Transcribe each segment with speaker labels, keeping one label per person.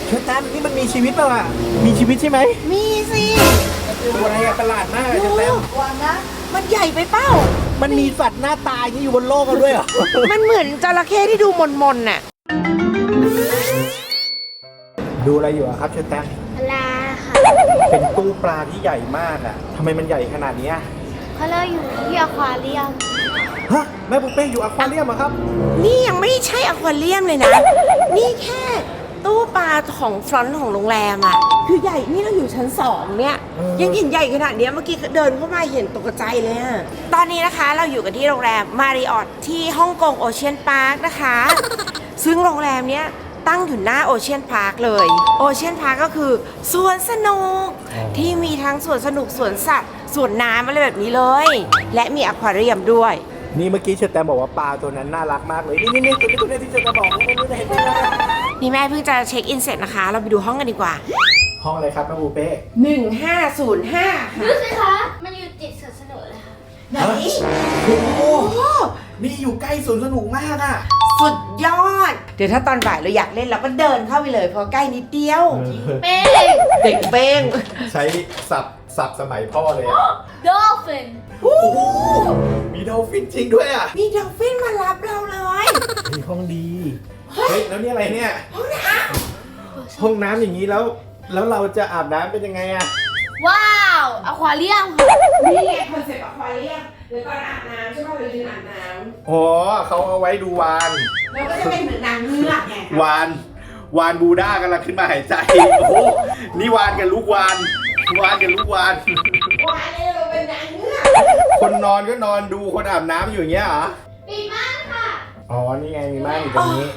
Speaker 1: เชอแตมนี่มันมีชีวิตเปล่าอ่ะมีชีวิตใช่ไหม
Speaker 2: มีสิ
Speaker 1: ตัวอะไรอะประหลาดมากเลยเชอแตม
Speaker 2: วางนะมันใหญ่ไปเป้า
Speaker 1: มันมีสัตว์หน้าตายนี่อยู่บนโลกกันด้วยเหรอ
Speaker 2: มันเหมือนจระเข้ที่ดูมนๆน่ะ
Speaker 1: ดูอะไรอยู่อะครับเชอแตม
Speaker 3: ปลาค่ะ
Speaker 1: เป็นตู้ปลาที่ใหญ่มากอ่ะทำไมมันใหญ่ขนาดนี้
Speaker 3: เพราะเราอยู่ที่อควาเรียม
Speaker 1: ฮะแม่ปุ๊กเป้อยู่อควาเรียมเหรอครับ
Speaker 2: นี่ยังไม่ใช่อควาเรียมเลยนะ นี่แค่ตู้ปลาของฟรอนต์ของโรงแรมอ่ะคือใหญ่นี่เราอยู่ชั้น2เนี่ยยังเห็นใหญ่ขนาดเนี้ยเมื่อกี้เดินเข้ามาเห็นตกใจเลยอะตอนนี้นะคะเราอยู่กันที่โรงแรมมาริออทที่ฮ่องกงโอเชียนพาร์คนะคะ ซึ่งโรงแรมเนี้ยตั้งอยู่หน้าโอเชียนพาร์คเลยโอเชียนพาร์คก็คือสวนสนุกที่มีทั้งสวนสนุกสวนสัตว์สวนน้ำอะไรแบบนี้เลย และมีอควาเรียมด้วย
Speaker 1: นี่เมื่อกี้เชอแตมบอกว่าปลาตัวนั้นน่ารักมากเลยนี่ตัวนี้ที่เชอแตมบอกนี่เห็นไหม
Speaker 2: นี่แม่เพิ่งจะเช็คอินเสร็จนะคะ เราไปดูห้องกันดีกว่า
Speaker 1: ห้องอะไรครับแม่ปุ๊กเป้
Speaker 2: 1505ค่ะ
Speaker 3: ดูสิคะ มันอยู่ติดสวนสนุกเลยค่ะ
Speaker 2: ไหน
Speaker 1: โอ้โห
Speaker 2: โอ้
Speaker 1: นี่อยู่ใกล้สวนสนุกมากอ่ะ
Speaker 2: สุดยอด เดี๋ยวถ้าตอนบ่ายเราอยากเล่นเราก็เดินเข้าไปเลยเพราะใกล้นิดเดียว
Speaker 3: เป้ง
Speaker 2: เด็กเป้ง
Speaker 1: ใช้สับสมัยพ่อเลยอะ
Speaker 3: ดอลฟิน
Speaker 1: โอ้โหมีดอลฟินจริงด้วยอ่ะ
Speaker 2: มีดอลฟินมารับเราเลย
Speaker 1: มีห้องดี เฮ้ย แล้วนี่อะไรเนี่ย ห้องน้ำอย่างนี้แล้วเราจะอาบน้ำเป็นยังไงอ่ะ
Speaker 3: ว้าวอควาเรียมค่ะ
Speaker 2: นี่ไงคอนเซ็ปต์อควาเรียมเดี๋ยวตอนอาบน้ำใช่ป่ะเรายืนอาบน้
Speaker 1: อ๋อเขาเอาไว้ดูวาน
Speaker 2: ำแล้วก็จะเป็นเหมือนนางเงือกไง
Speaker 1: วานบูด้ากำลังขึ้นมาหายใจ โอ้โห นี่วานกับลูกวานกับลูกวาน
Speaker 2: วายเนี่ยเราเป็นนางเงือก
Speaker 1: คนนอนก็นอนดูคนอาบน้ำอยู่อย่างเงี้ยเหรอ
Speaker 3: ปิดม่านค่ะ
Speaker 1: อ๋อ นี่ไงมีม่านอยู่ตรงนี้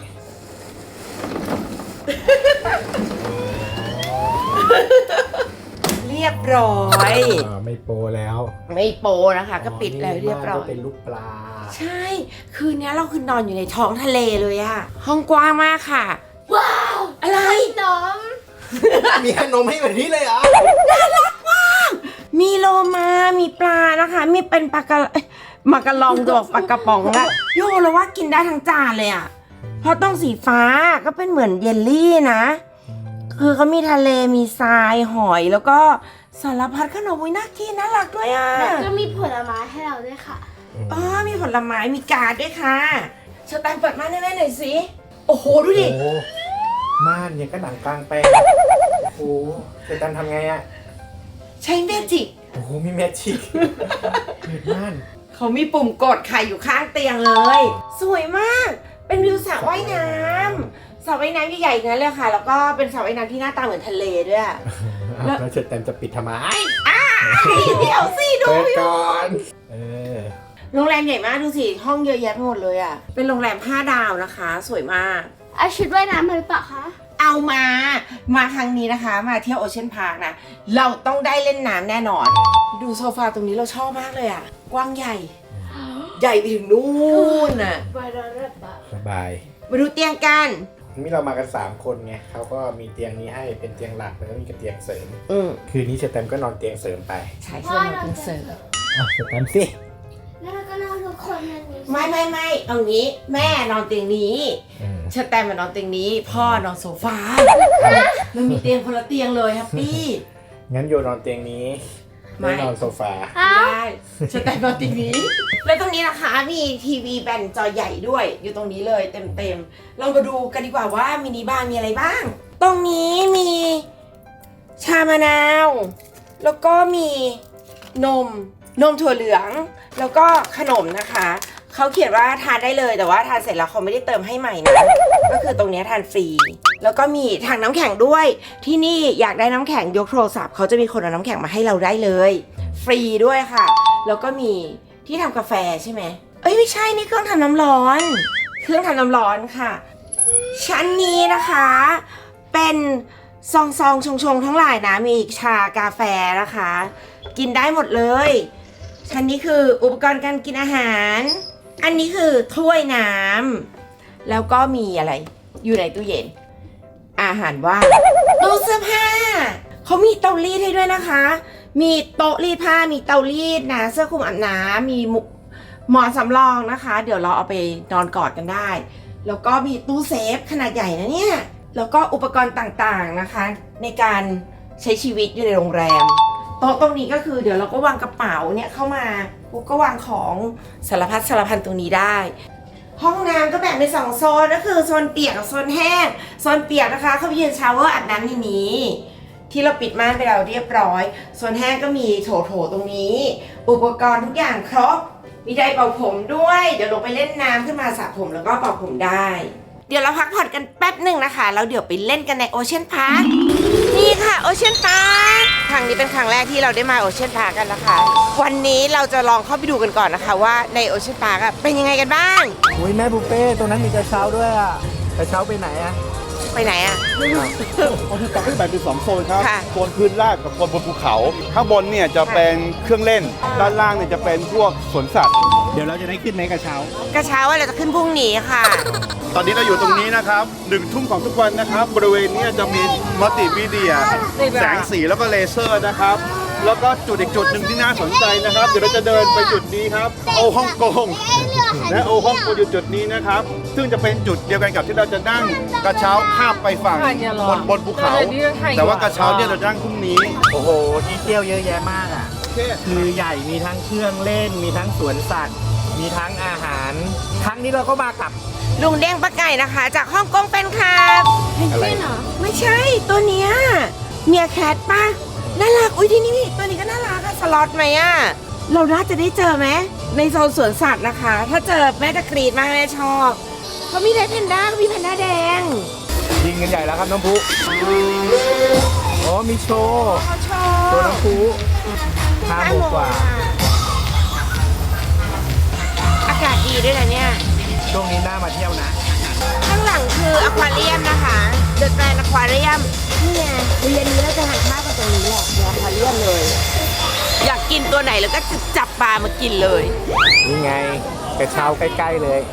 Speaker 2: เรียบร้อย
Speaker 1: ไม่โปรแล้ว
Speaker 2: ไม่โปนะคะ ก็ปิดแล้วเรียบร้อ
Speaker 1: ก็
Speaker 2: ย
Speaker 1: เป็นลูกปลา
Speaker 2: ใช่ คืนนี้เราคือนอนอยู่ในท้องทะเลเลยอะห้องกว้างมากค่ะ
Speaker 3: ว้าว
Speaker 2: อะไร
Speaker 3: ขนม
Speaker 1: มีขนมให้แบบนี้เลยเหรอ
Speaker 2: มีโลมา มีปลานะคะ มีเป็นปลากระมากระลองดอกปลากระป๋องละโยเราว่ากินได้ทั้งจานเลยอะเพราะต้องสีฟ้าก็เป็นเหมือนเยลลี่นะ คือเขามีทะเล มีทราย หอย แล้วก็สารพัดขนมน่ากินน่ารักด้วยอะ
Speaker 3: แล้วก็มีผลไม้ให้เราด้วยค่ะ
Speaker 2: อ๋อมีผลไม้ มีการ์ดด้วยค่ะสแตมป์เปิดม่านให้แม่หน่อยสิ โอ้โห ดูดิ
Speaker 1: โอ้โหม่านเนี่ยก็หนังกลางแปลงโอ้โหจะตันทำไงอ่ะ
Speaker 2: ใช้เมจิก
Speaker 1: โอ้โห มีแมจิกเปิดม่าน
Speaker 2: เขามีปุ่มกดค่ะอยู่ข้างเตียงเลย สวยมาก เป็นวิวสระว่ายน้ำสระว่ายน้ำใหญ่ๆนั้นเลยค่ะ แล้วก็เป็นสระว่ายน้ำที่หน้าตาเหมือนทะเลด้วย
Speaker 1: แล้วเชิดแตมจะปิดทำไม
Speaker 2: เดี๋ยวสิดู
Speaker 1: เปิด
Speaker 2: อยู่
Speaker 1: ก่อน
Speaker 2: โรงแรมใหญ่มากดูสิ ห้องเยอะแยะไปหมดเลยอ่ะ เป็นโรงแรม5 ดาวนะคะ สวยมาก
Speaker 3: เอาชุดว่ายน้ำมาหรือเปล่าคะ
Speaker 2: เอามาครั้งนี้นะคะ มาเที่ยวโอเชียนพาร์คนะ เราต้องได้เล่นน้ำแน่นอน ดูโซฟาตรงนี้เราชอบมากเลยอ่ะ กว้างใหญ่ ใหญ่ไปถึงนู่นน่ะ
Speaker 3: บายรัตะ
Speaker 1: สบาย
Speaker 2: มาดูเตียงกัน
Speaker 1: นี่เรามากัน3คนไงเขาก็มีเตียงนี้ให้เป็นเตียงหลักแล้วก็มีกับเตียงเสริม
Speaker 2: อืม
Speaker 1: คืนนี้เชิดแตมก็นอนเตียงเสริมไป
Speaker 2: ใช่ใช่เราเป็นเสิร์ฟ
Speaker 1: เชิดแตมสิ
Speaker 3: แล้วเราก็นอนทุกคนในนี้
Speaker 2: ไม่เอางี้แม่นอนเตียงนี้เชอแตมมานอนเตียงนี้ พ่อนอนโซฟาเรามีเตียงคนละเตียงเลยแฮปปี้
Speaker 1: งั้นโยนอนเตียงนี้
Speaker 2: ไม่
Speaker 1: ไม่นอนโซฟา
Speaker 2: ได้เชอแตมนอนเตียงนี้ แล้วตรงนี้นะคะมีทีวีแบนจอใหญ่ด้วย อยู่ตรงนี้เลยเต็มๆเรามาดูกันดีกว่าว่ามินิบาร์มีอะไรบ้าง ตรงนี้มีชามะนาว แล้วก็มีนมถั่วเหลือง แล้วก็ขนมนะคะ เขาเขียนว่าทานได้เลยแต่ว่าทานเสร็จแล้วเขาไม่ได้เติมให้ใหม่นะ ก็คือตรงนี้ทานฟรี แล้วก็มีถังน้ำแข็งด้วย ที่นี่อยากได้น้ำแข็งยกโทรศัพท์เขาจะมีคนเอาน้ำแข็งมาให้เราได้เลย ฟรีด้วยค่ะ แล้วก็มีที่ทำกาแฟใช่ไหมเอ้ยไม่ใช่นี่เครื่องทำน้ำร้อน เครื่องทำน้ำร้อนค่ะ ชั้นนี้นะคะ เป็นซองชงทั้งหลายนะมีชากาแฟนะคะ กินได้หมดเลยชั้นนี้คืออุปกรณ์การกินอาหาร อันนี้คือถ้วยน้ำแล้วก็มีอะไรอยู่ในตู้เย็น อาหารว่างตู้เสื้อผ้าเขามีเตารีดให้ด้วยนะคะ มีโต๊ะรีดผ้ามีเตารีดนะเสื้อคลุมอาบน้ำมีหมอนสำรองนะคะ เดี๋ยวเราเอาไปนอนกอดกันได้ แล้วก็มีตู้เซฟขนาดใหญ่นะเนี่ยแล้วก็อุปกรณ์ต่างๆนะคะ ในการใช้ชีวิตอยู่ในโรงแรมโต๊ะตรงนี้ก็คือเดี๋ยวเราก็วางกระเป๋าเนี่ยเข้ามาปุ๊บก็วางของสารพัดสารพันตรงนี้ได้ ห้องน้ำก็แบ่งเป็น2โซนก็คือโซนเปียกกับโซนแห้งโซนเปียกนะคะเขาไปยืนชาวเวอร์อาบน้ำในนี้ที่เราปิดม่านไปแล้วเรียบร้อยโซนแห้งก็มีโถตรงนี้ อุปกรณ์ทุกอย่างครบมีไดร์เป่าผมด้วยเดี๋ยวลงไปเล่นน้ำขึ้นมาสระผมแล้วก็เป่าผมได้เดี๋ยวเราพักผ่อนกันแป๊บหนึ่งนะคะแล้วเดี๋ยวไปเล่นกันในโอเชียนพาร์คนี่ค่ะโอเชียนพาร์คครั้งนี้เป็นครั้งแรกที่เราได้มาโอเชียนพาร์คกันนะคะวันนี้เราจะลองเข้าไปดูกันก่อนนะคะว่าในโอเชียนพาร์คเป็นยังไงกันบ้าง
Speaker 1: อุ้ยแม่บุฟเป้ตรงนั้นมีกระเช้าด้วยอ่ะกระเช้าไปไหนอ่ะ
Speaker 2: ไปไหนอะ
Speaker 4: โอเชียนพาร์คแบ่งเป็น2โซนครับ
Speaker 2: ค่ะ
Speaker 4: โซนพื้นราบกับโซนบนภูเขา ข้างบนเนี่ยจะเป็นเครื่องเล่น ด้านล่างเนี่ยจะเป็นพวกสวนสัตว์
Speaker 1: เดี๋ยวเราจะได้ขึ้นไหมกระเช้า
Speaker 2: กระเช้าว่าเราจะขึ้นพรุ่งนี้ค่ะ
Speaker 4: ตอนนี้เราอยู่ตรงนี้นะครับ1 ทุ่มของทุกวันนะครับ บริเวณเนี้จะมีมัลติมีเดีย แสงสีแล้วก็เลเซอร์นะครับ แล้วก็จุดอีกจุดหนึ่งที่น่าสนใจนะครับ เดี๋ยวเราจะเดินไปจุดนี้ครับ โอฮ่องกง และโอฮ่องกงอยู่จุดนี้นะครับ ซึ่งจะเป็นจุดเดียวกันกับที่เราจะนั่งกระเช้าข้ามไปฝั่งบนภูเขา แต่ว่ากระเช้าเนี่ยเราจะนั่งพรุ่งนี้
Speaker 1: โอ้โหที่เที่ยวเยอะแยะมากอ่ะ คือใหญ่มีทั้งเครื่องเล่น มีทั้งสวนสัตว์ มีทั้งอาหาร ครั้งนี้เราก็มากับ
Speaker 2: ลุงเด้งปะไก่นะคะ จากฮ่องกงเป็นค่ะ
Speaker 1: อะไร
Speaker 2: ไม่ใช่ตัวเนี้ยเมียแคทป่ะน่ารักอุ้ยที่นี่ตัวนี้ก็น่ารักอะสล็อตไหมอะเราน่าจะได้เจอไหมในโซนสวนสัตว์นะคะ ถ้าเจอแม่จะกรีดมากแม่ชอบเขามีไดแพนด้าเขามีแพนด้าแดง
Speaker 1: ยิงกันใหญ่แล้วครับน้องพุอ๋อมีโชว์
Speaker 2: เขาชอ
Speaker 1: ตัว
Speaker 2: บ
Speaker 1: น้องพุ5 โมงกว่า
Speaker 2: อากาศดีด้วยนะเนี่ย
Speaker 1: ช่วงนี้น่ามาเที่ยวนะ
Speaker 2: ข้างหลังคืออควาเรียมนะคะเดอะแกรนด์อควาเรียมนี่ไงเรียนนี้เราจะหันข้าวกันตรงนี้แหละในอควาเรียมเลย อยากกินตัวไหนแล้วก็จับปลามากินเลย
Speaker 1: นี่ไงกระเช้าใกล้ๆเลย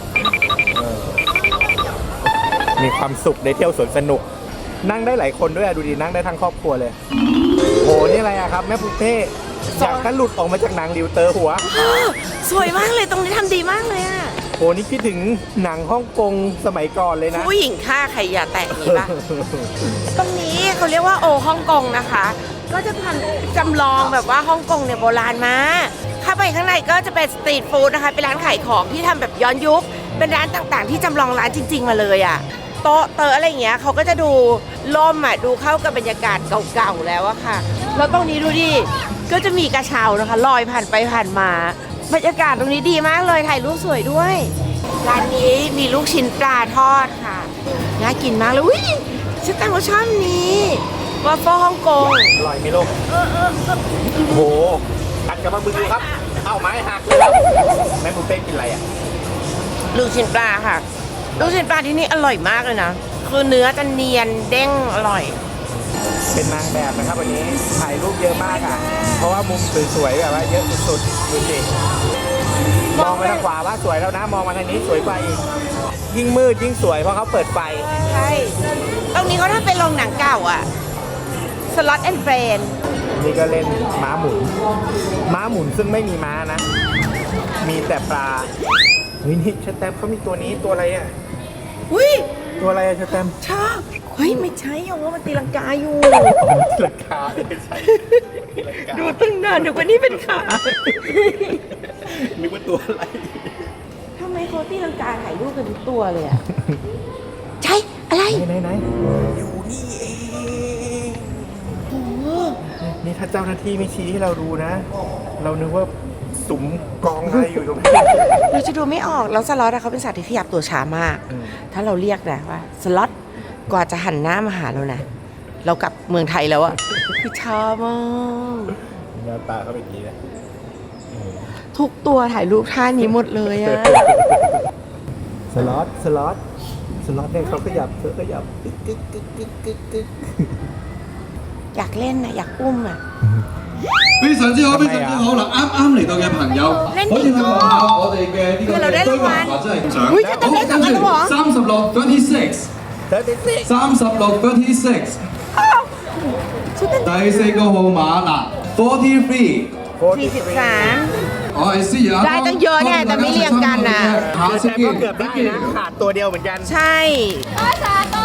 Speaker 1: มีความสุขได้เที่ยวสวนสนุก นั่งได้หลายคนด้วยอะดูดินั่งได้ทั้งครอบครัวเลยโหนี่อะไรอะครับแม่ปุ๊เป้อยากกันหลุดออกมาจากหนังริวเตอร์หัว
Speaker 2: สวยมากเลยตรงนี้ทำดีมากเลยอะ
Speaker 1: โหนี่คิดถึงหนังฮ่องกงสมัยก่อนเลยนะ
Speaker 2: ผู้หญิงฆ่าใครอย่าแตะอย่างนี้ปะ ตรงนี้เขาเรียกว่าโอฮ่องกงนะคะ ก็จะทำจำลองแบบว่าฮ่องกงเนี่ยโบราณมาเข้าไปข้างในก็จะเป็นสตรีทฟู้ดนะคะเป็นร้านขายของที่ทำแบบย้อนยุค เป็นร้านต่างๆ ที่จำลองร้านจริง ๆ มาเลยอะโต๊ะเตออะไรอย่างเงี้ยเขาก็จะดูล่มอ่ะดูเข้ากับบรรยากาศเก่าๆแล้วอะค่ะแล้วตรงนี้ดูดิก็จะมีกระเช้านะคะลอยผ่านไปผ่านมาบรรยากาศตรงนี้ดีมากเลยถ่ายรูปสวยด้วยร้านนี้มีลูกชิ้นปลาทอดค่ะน่ากินมากเลยอุ้ยฉันตั้งว่าชอบนี้วอฟเฟิลฮ่องกง
Speaker 1: อร่อยไหมลูกโหกัดกับมาบึงดูครับ เอ้าไม้หักเลยครับแม่ปุ๊เป้กินอะไรอะ
Speaker 2: ลูกชิ้นปลาค่ะลูกชิ้นปลาที่นี่อร่อยมากเลยนะคือเนื้อจะเนียนเด้งอร่อย
Speaker 1: เป็นนางแบบนะครับวันนี้ถ่ายรูปเยอะมากอ่ะ เพราะว่ามุมสวยๆแบบว่าเยอะสุดๆดูสิมองไปทางขวาว่าสวยแล้วนะ มองมาทางนี้สวยกว่าอีกยิ่งมืดยิ่งสวยเพราะเขาเปิดไฟ
Speaker 2: ใช่ตรงนี้เขาทำเป็นโรงหนังเก่าอ่ะสล็อตแอนด์เฟรน
Speaker 1: นี่ก็เล่นม้าหมุน ม้าหมุนซึ่งไม่มีม้านะ มีแต่ปลาเฮ้ยนี่ชะแตมป์เขามีตัวนี้ตัวอะไรอ่ะ
Speaker 2: อุ้ย
Speaker 1: ตัวอะไรอะชะแตมป์
Speaker 2: ชอบเฮ้ยไม่ใช่โอ้มันตีลังกาอยู่
Speaker 1: ราคาไม่ใช่
Speaker 2: ดูตั้งนานเดี๋ยววันนี้เป็นขา
Speaker 1: นึกว่าตัวอะไร
Speaker 2: ทำไมเขาตีลังกาถ่ายรูปกันทุกตัวเลยอ่ะ ใช่อะไร
Speaker 1: ไหนอยู่นี่เอง
Speaker 2: โอ้โห
Speaker 1: นี่ถ้าเจ้าหน้าที่ไม่ชี้ให้เราดูนะ เรานึกว่าสุมกองอะไรอยู่ตรงนี้
Speaker 2: เราจะดูไม่ออกแล้วสล็อตอะเขาเป็นสัตว์ที่ขยับตัวช้ามาก ถ้าเราเรียกนะว่าสล็อตกว่าจะหันหน้ามาหาเรานะเรากลับเมืองไทยแล้วอะคือช้ามาก
Speaker 1: หน้าตาเขาเป็นอย่างนี้นะ
Speaker 2: ทุกตัวถ่ายรูปท่านี้หมดเลยอะ
Speaker 1: สล็อตเนี่ยเขาขยับขยับกึกกึกกึกกึกกึกกึก
Speaker 2: อยากเล่นนะอยากอุ้มอะ
Speaker 5: 非常之好，非常之好啦！啱嚟到嘅朋友，可以睇下我哋嘅呢個嘅居民或者係獎。好，跟住36 36 第四個號碼嗱43。
Speaker 2: 43
Speaker 5: 我係思怡啊，
Speaker 2: ได้ตั้งเยอะเนี่ยแต่ไม่เรียงกันน่ะ
Speaker 5: 下次
Speaker 1: แต่
Speaker 5: 見
Speaker 1: ก็เกือบได้นะขาดตัวเดียวเหมือนกัน
Speaker 2: ใช่
Speaker 3: ก็สาโต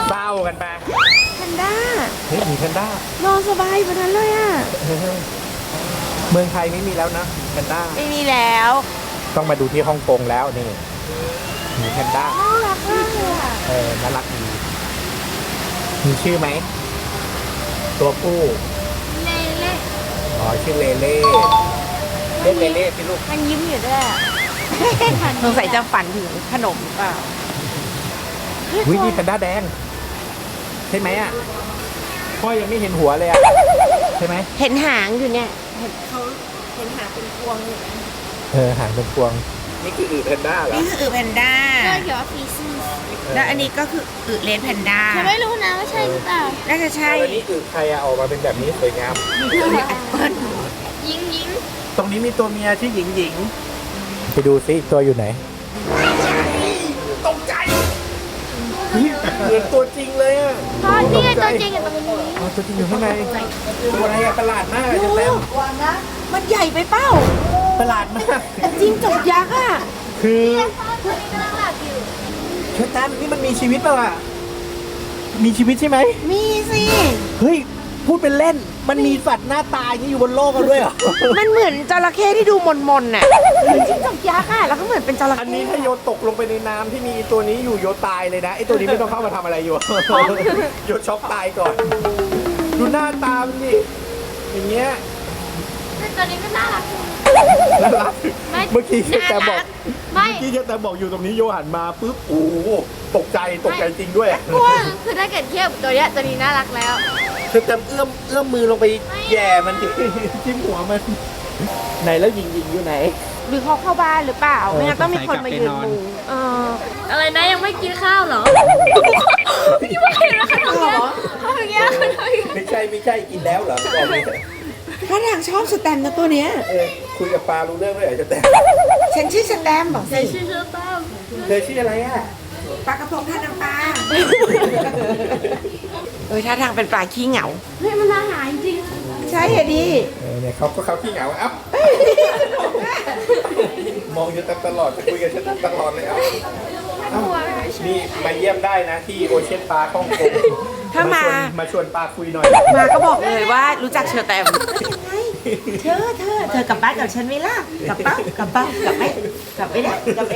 Speaker 1: เศร้ากันไป
Speaker 2: แพนด้า
Speaker 1: เฮ้ยมีแพนด้าน
Speaker 2: อนสบายแบบนั้นเลยอ่ะ
Speaker 1: เมืองไทยไม่มีแล้วนะแพนด้า
Speaker 2: ไม่มีแล้ว
Speaker 1: ต้องมาดูที่ฮ่องกงแล้วนี่มีแพนด้า
Speaker 3: น่ารักมากเลยอ่ะ
Speaker 1: น่ารักดีมีชื่อไหมตัวผู้
Speaker 3: เล่เล่
Speaker 1: อ๋อชื่อเลเล่เรียกเลเล่พี่ลูก
Speaker 3: มันยิ้มอยู่ด้วยอ่ะ
Speaker 2: สงสัยจะฝันถึงขนมหรือเปล่า
Speaker 1: วินี่แพนด้าแดงใช่ไหมอ่ะพ่อยังไม่เห็นหัวเลยอ่ะใช่ไหม
Speaker 2: เห็นหางอยู่เนี่ย เห็นเขาเห็นหางเป็นพวงอยู่นะ
Speaker 1: หางเป็นพวงนี่คืออึแพนด้าเหรอ
Speaker 2: นี่คืออึแพนด้า
Speaker 3: เลือกเกี่ยวกับฟีซิส
Speaker 2: แล้วอันนี้ก็คืออึเลนแพนด้า
Speaker 3: ฉันไม่รู้นะว่าใช่หรือเปล่า
Speaker 2: น่าจะใช่
Speaker 1: แล้วนี่อึใครอะออกมาเป็นแบบนี้สวยงาม
Speaker 2: แอปเปิ้ล
Speaker 3: ยิงยิง
Speaker 1: ตรงนี้มีตัวเมียชื่อหญิงหญิงไปดูซิตัวอยู่ไหนตกใจเหมือนตัวจริงเลยอ่ะ
Speaker 3: ตอนนี้ตัวจริงอยู่ตรงนี้
Speaker 1: อ๋อตัวจริงอยู่ข้างในตัวอะไรอะประหลาดมากอะจะแต้ม
Speaker 2: มันใหญ่ไปเป้า
Speaker 1: ประหลาดมาก
Speaker 2: จริงจกยักษ์อ่ะ
Speaker 1: คือ
Speaker 3: ตัวนี้กำลังหลับอยู่
Speaker 1: เชอแตมนี่มันมีชีวิตเปล่าอ่ะมีชีวิตใช่ไหม
Speaker 2: มีสิ
Speaker 1: เฮ้ยพูดเป็นเล่นมันมีสัตว์หน้าตายนี่อยู่บนโลกกันด้วยเหรอ
Speaker 2: มันเหมือนจระเข้ที่ดูมนๆน่ะจริงจกยักษ์อ่ะ แล้วก็เหมือนเป็นจระ
Speaker 1: อัน
Speaker 2: เข้
Speaker 1: นี้ถ้าโยนตกลงไปในน้ำที่มีตัวนี้อยู่โยนตายเลยนะไอตัวนี้ไม่ต้องเข้ามาทำอะไรอยู่ โยนช็อกตายก่อน ดูหน้าตามนดิอย่างเงี้ย
Speaker 3: แต่ตัวนี้ก็น่ารักอยู่
Speaker 1: น่ารัก
Speaker 3: ไม่
Speaker 1: เมื่อกี้แต่บอก
Speaker 3: ไม่
Speaker 1: เมื่อกี้แต่บอกอยู่ตรงนี้โยหันมาปุ๊บโอ้โหตกใจจริงด้วย
Speaker 3: กลัวคือถ้าเกิดเทียบกับตัวเนี้ยตัวนี้น่ารักแล้ว
Speaker 1: เธอจะเอื้อมมือลงไปแย่มันดิจิ้มหัวมันไหนแล้วหญิงอยู่ไหน
Speaker 2: หรือเขาเข้าบ้านหรือเปล่า ไม่งั้นต้องมีคนมายืนมุง
Speaker 3: อะไรนะยังไม่กินข้าวเหรอยังไม่เห็นแล้วขนมเนี้ยเขาอย่างเงี้ย
Speaker 1: ไม่ใช่กินแล้วเหรอบอกเลย
Speaker 2: ถ้าทางชอบสแตมป์นะตัวเนี้ย
Speaker 1: คุยกับปลารู้เรื่องเลยเหรอจะแต่
Speaker 2: ฉันชื่อสแตมป์บอกสิ
Speaker 3: ชื่อตั้ม
Speaker 1: เธอชื่ออะไรอ่ะ
Speaker 2: ปลากระพงท่าน้ำปลาท่าทางเป็นปลาขี้เหงา
Speaker 3: เฮ้ยมันอาหารจริง
Speaker 2: ใช่อะดิ
Speaker 1: เนี่ยเขาขี้เหงาอัพมองอยู่ตลอดจะคุยกับฉันตลอดเลยอัพนี่มาเยี่ยมได้นะที่โอเชียนปาร์คฮ่องกง
Speaker 2: ถ้ามา
Speaker 1: มาชวนปาคุยหน่อย
Speaker 2: มาก็บอกเลยว่ารู้จักเชอแตมเธอกลับบ้านกับฉันไหมล่ะกลับไม่ได้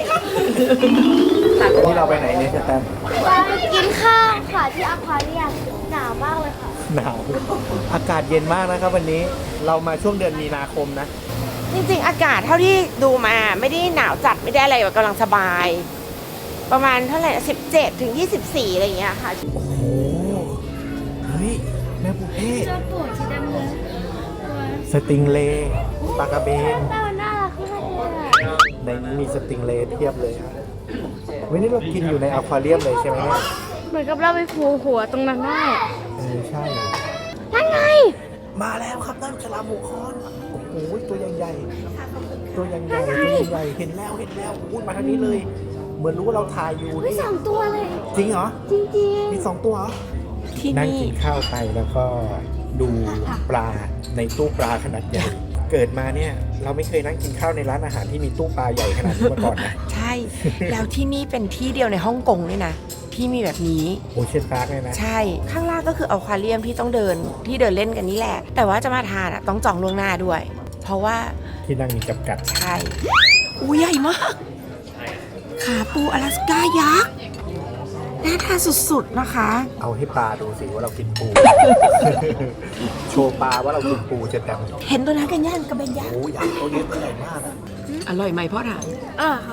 Speaker 1: นี่เราไปไหนเนี่ยจะแตม
Speaker 3: กินข้าวค่ะที่อควาเรียมหนาวมากเลยค่ะ
Speaker 1: หนาวอากาศเย็นมากนะครับวันนี้เรามาช่วงเดือนมีนาคมนะ
Speaker 2: จริงๆอากาศเท่าที่ดูมาไม่ได้หนาวจัดไม่ได้อะไรแบบกำลังสบาย ประมาณเท่าไหร่17 ถึง 24 อะไรอย่างเงี้ยค่ะ
Speaker 1: โอ้โหเฮ้ยแม่บุเป้
Speaker 3: เจ้าปวดสีดำเลย
Speaker 1: สติงเลย์ปลากระเบน
Speaker 3: แต่มันน่ารักมากเลยอะ
Speaker 1: ในนี้มีสติงเลย์เทียบเลยครับวันนี้เรากินอยู่ในอควาเรียมเลยใช่ไหมเนี่ย
Speaker 3: เหมือนกับเราไปผูหัวตรงนั้นได้
Speaker 1: ใช่
Speaker 3: นั่นไง
Speaker 1: มาแล้วครับนั่นฉลามหัวคอนโอ้โหตัวใหญ่ๆตัวใหญ่ๆเห็นแล้วอุ้ยมาทางนี้เลย เหมือนรู้ว่าเราถ่ายอยู่
Speaker 3: ไม่
Speaker 1: นี่
Speaker 3: สองตัวเลย
Speaker 1: จริงเหรอ
Speaker 3: จริง
Speaker 1: มี2ตัวเหรอ
Speaker 2: ที่
Speaker 1: นั่ง
Speaker 2: นี่
Speaker 1: กินข้าวไปแล้วก็ดูปลาในตู้ปลาขนาดใหญ่ เกิดมาเนี่ยเราไม่เคยนั่งกินข้าวในร้านอาหารที่มีตู้ปลาใหญ่ขนาดนี้มาก่อนนะ
Speaker 2: ใช่ แล้วที่นี่เป็นที่เดียวในฮ่องกงด้วยนะ ที่มีแบบนี้
Speaker 1: โอเชียนพาร์คเนี่ยนะ
Speaker 2: ใช่ ข้างล่างก็คืออควาเรียมที่ต้องเดินเล่นกันนี่แหละ แต่ว่าจะมาทานอ่ะต้องจองล่วงหน้าด้วย เพราะว่า
Speaker 1: ที่นั่งมีจำกัด
Speaker 2: ใช่อู้ใหญ่มาก ขาปูอลาสก้ายักษ์ น่าทานสุดๆนะคะ
Speaker 1: เอาให้ปลาดูสิว่าเรากินปู โชว์ปลาว่าเรากินปูจะแต่
Speaker 2: เห็นตัวนั้นกันย่างกระเบนยักษ์
Speaker 1: โอ้ยใหญ่ตัวนี้ตัวใหญ่มากอะ
Speaker 2: อร่อยไหมพ่อถาม
Speaker 3: ค่ะ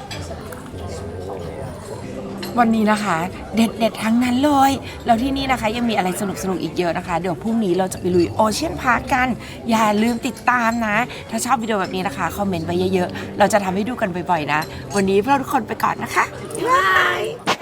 Speaker 2: วันนี้นะคะ เด็ดๆทั้งนั้นเลย แล้วที่นี่นะคะยังมีอะไรสนุกๆอีกเยอะนะคะ เดี๋ยวพรุ่งนี้เราจะไปลุยโอเชียนพาร์คกัน อย่าลืมติดตามนะ ถ้าชอบวิดีโอแบบนี้นะคะคอมเมนต์ไว้เยอะๆ เราจะทำให้ดูกันบ่อยๆนะ วันนี้พวกเราทุกคนไปก่อนนะคะบ๊ายบาย